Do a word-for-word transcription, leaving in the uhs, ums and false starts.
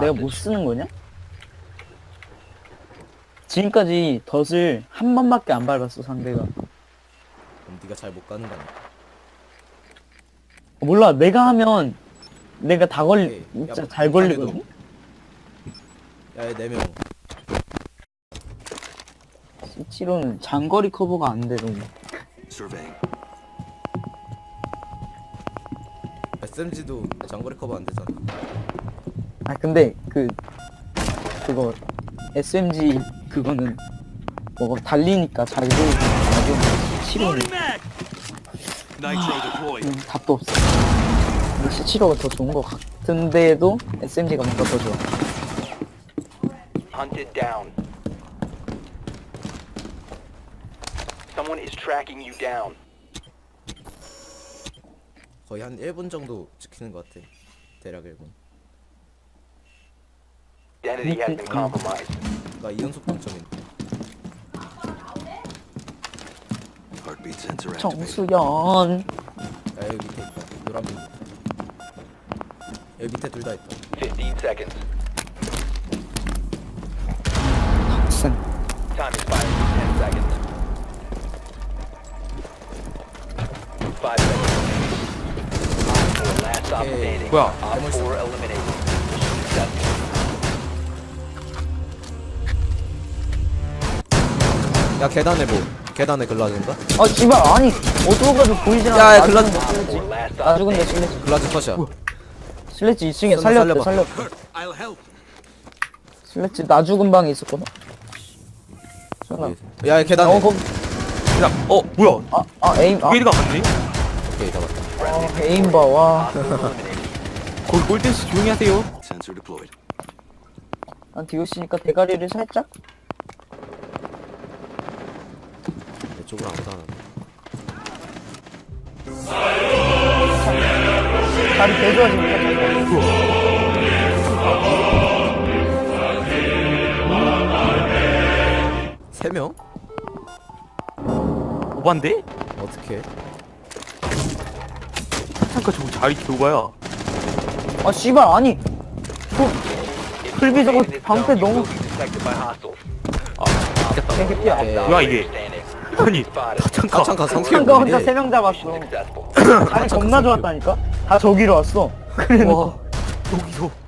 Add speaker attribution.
Speaker 1: 내가 못 쓰는 거냐? 지금까지 덫을 한 번밖에 안 밟았어 상대가.
Speaker 2: 그럼 네가 잘 못 가는 거 아니야?
Speaker 1: 몰라 내가 하면 내가 다 걸리
Speaker 2: 오케이.
Speaker 1: 진짜
Speaker 2: 야,
Speaker 1: 잘 걸리거든.
Speaker 2: 야얘 네 명.
Speaker 1: 씨치로는 장거리 커버가 안 돼 너무.
Speaker 3: Surveying.
Speaker 2: 에스엠지도 장거리 커버 안 되잖아.
Speaker 1: 아 근데 그 그거 에스엠지 그거는 뭐 달리니까 잘 돌고 나중에 씨치로는
Speaker 3: Nitro deployed.
Speaker 1: 음, 답도 없어. 근데 씨치로가 더 좋은 것 같은데도 에스엠지가 뭔가 더 좋아.
Speaker 4: Hunted down. Someone is tracking you down.
Speaker 2: 거의 한 일 분 정도 지키는 것 같아. 대략 일 분.
Speaker 4: Identity has been compromised.
Speaker 2: 나 이 연속 동점인데.
Speaker 3: Heartbeat sensor activated.
Speaker 1: 정수연.
Speaker 2: 야 여기 밑에 있다. 노란 빙. 여기 밑에 둘 다 있다.
Speaker 4: fifteen seconds.
Speaker 1: 슨.
Speaker 4: Time expires in ten seconds. five seconds. Op four last stop
Speaker 2: Okay.
Speaker 4: standing.
Speaker 5: 뭐야?
Speaker 4: Op four eliminated. Mission successful.
Speaker 2: 야 계단에 뭐? 계단에 글라즈인가?
Speaker 1: 아 씨발 아니 어두워가지고 보이지 않아.
Speaker 2: 야, 야,
Speaker 1: 나
Speaker 2: 글라즈-
Speaker 1: 죽은데
Speaker 4: Op
Speaker 1: 슬래지.
Speaker 4: four last
Speaker 1: 나
Speaker 4: stop
Speaker 1: 죽은데
Speaker 4: standing.
Speaker 1: 슬래지.
Speaker 2: 글라즈 컷이야.
Speaker 1: 슬래지 이 층에
Speaker 2: 쏜다,
Speaker 1: 살렸대
Speaker 2: 살려봐.
Speaker 1: 살렸대.
Speaker 3: I'll help.
Speaker 1: 슬래지 나 죽은 방에 있었거든. 전화.
Speaker 2: 야 계단에.
Speaker 1: 어 거기.
Speaker 5: 야, 어 뭐야?
Speaker 1: 아, 아 에임 아,
Speaker 5: 게이드가 갔네?
Speaker 2: 오케이 잡았다.
Speaker 1: 아 에임 봐 와.
Speaker 4: Op four eliminated.
Speaker 5: 거기 골든씨 조용히 하세요.
Speaker 3: Sensor deployed.
Speaker 1: 난 디오씨니까 대가리를 살짝.
Speaker 2: 내 쪽으로 아무도 안 하네.
Speaker 1: 다리 개좋아지니까 자기가.
Speaker 2: 세 명?
Speaker 5: 오반데?
Speaker 2: 어떻게?
Speaker 5: 잠깐 저거 자리 교가야.
Speaker 1: 아 씨발 아니. 그 풀비 저거
Speaker 4: In this
Speaker 1: 방패
Speaker 4: zone, you
Speaker 1: 너무
Speaker 4: will be detected by hostiles.
Speaker 1: 개개피야.
Speaker 2: 오케이.
Speaker 5: 뭐야 이게?
Speaker 4: Standing.
Speaker 5: 아니
Speaker 4: Spotted.
Speaker 5: 잠깐.
Speaker 2: 가창가 삼킬
Speaker 1: 창가 혼자
Speaker 2: 분인데.
Speaker 1: 세 명 잡았어.
Speaker 4: Mission successful.
Speaker 1: 아니 겁나 좋았다니까. 다 저기로 왔어. 그래서
Speaker 5: 와 여기서